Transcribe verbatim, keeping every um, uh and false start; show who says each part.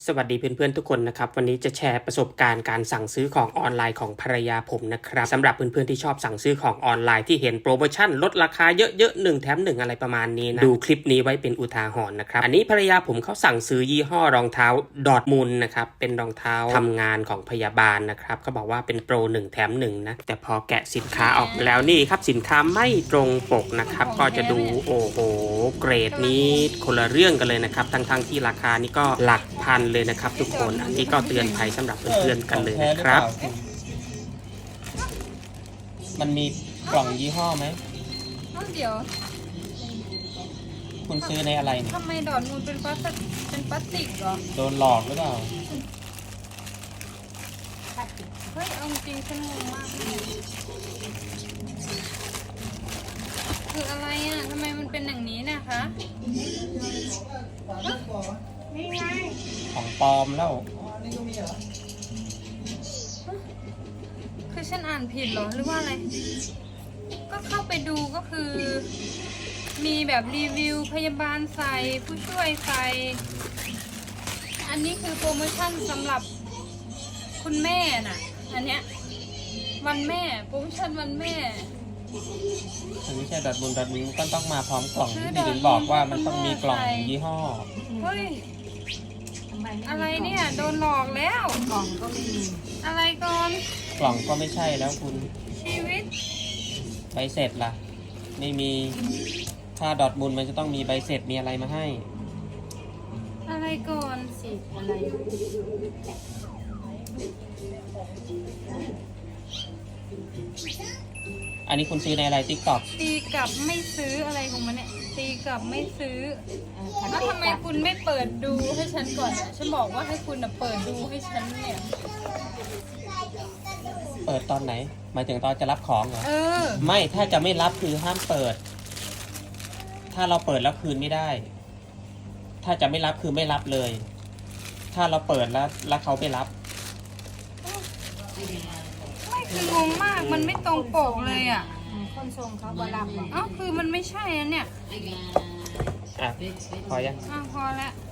Speaker 1: สวัสดีเพื่อนๆทุกคนนะครับวันนี้จะแชร์ประสบการณ์การสั่งซื้อของออนไลน์ของภรรยาผมนะครับสำหรับเพื่อนๆที่ชอบสั่งซื้อของออนไลน์ที่เห็นโปรโมชั่นลดราคาเยอะๆหนึ่งแถมหนึ่งอะไรประมาณนี้นะดูคลิปนี้ไว้เป็นอุทาหรณ์นะครับอันนี้ภรรยาผมเขาสั่งซื้อยี่ห้อรองเท้าดอร์ทมุนด์นะครับเป็นรองเท้าทำงานของพยาบาลนะครับเขาบอกว่าเป็นโปรหนึ่งแถมหนึ่งนะแต่พอแกะสินค้าออกมาแล้วนี่ครับสินค้าไม่ตรงปกนะครับก็จะดูโอ้โหเกรดนี้คนละเรื่องกันเลยนะครับทั้งๆที่ราคานี่ก็หลักพันเลยนะครับทุกคนอันนี้ก็เตือนภัยสำหรับเพื่อนๆกันเลยนะครับ
Speaker 2: มันมีกล่องยี่ห้อไหม
Speaker 3: เอ้าเดี๋ยว
Speaker 2: คุณซื้อในอะไรเนี่ย
Speaker 3: ทำไมดอดมูลเป็นพลาสติกเป็นพลาสติกเหรอ
Speaker 2: โดนหลอกหรือเปล่า
Speaker 3: เฮ้ยเอาจริงฉันงงมากเลยคืออะไรอ่ะทำไมมันเป็นอย่างนี้เนะคะนี่ไง
Speaker 2: ของปลอมแล้ว
Speaker 3: คือฉันอ่านผิดเหรอหรือว่าอะไร ก็เข้าไปดูก็คือ มีแบบรีวิวพยาบาลใส่ผู้ช่วยใส่อันนี้คือโปรโมชั่นสำหรับคุณแม่น่ะอันเนี้ยวันแม่โปรโมชั่นวันแม่
Speaker 2: มันไม่ใช่ดัดบุญดัดนิ้วก็ต้องมาพร้อมกล่อง
Speaker 3: ซื้อ
Speaker 2: ที่
Speaker 3: ดอท
Speaker 2: ถึงบอกว่ามันต้องมีกล่อง
Speaker 3: ใส่
Speaker 2: ยี่ห้อ
Speaker 3: เฮ้ยอะไรเนี่ยโดนหลอกแล้ว
Speaker 4: กล่องก็ไม่มี
Speaker 3: อะไรก่อน
Speaker 2: กล่องก็ไม่ใช่แล้วคุณ
Speaker 3: ชีวิต
Speaker 2: ใบเสร็จล่ะ ไม่มีถ้าดอทบุญมันจะต้องมีใบเสร็จมีอะไรมาให้
Speaker 3: อะไรก่อน
Speaker 4: สิอะไร
Speaker 2: อันนี้คุณซื้อในอะไรติ๊กต็อก
Speaker 3: ตีกลับไม่ซื้ออะไรของมันเนี่ยตีกลับไม่ซื้อ
Speaker 4: เอ่อพัน
Speaker 3: แล้ว
Speaker 4: เอ็
Speaker 3: ทำไม
Speaker 4: กับ
Speaker 3: คุณไม่เปิดดูให้ฉันก่อนอะฉันบอกว่าให้คุณอะเปิดดูให้ฉันเนี่ย
Speaker 2: เปิดตอนไหน หมายถึงตอนจะรับของเหรอ
Speaker 3: เออ
Speaker 2: ไม่ถ้าจะไม่รับคือห้ามเปิด ถ้าเราเปิดแล้วคืนไม่ได้ ถ้าจะไม่รับคือไม่รับเลย ถ้าเราเปิดแล้วแล้วเขาไม่รับ
Speaker 3: ไม่คืองงมากมันไม่ตรงปกเลยอ่ะ
Speaker 4: อืมคนส่งเขาบรับบอก
Speaker 3: เอ้าคือมันไม่ใช่อันเนี่ย
Speaker 2: อ่ะ พอยัง
Speaker 3: อ่ะพอแล้ว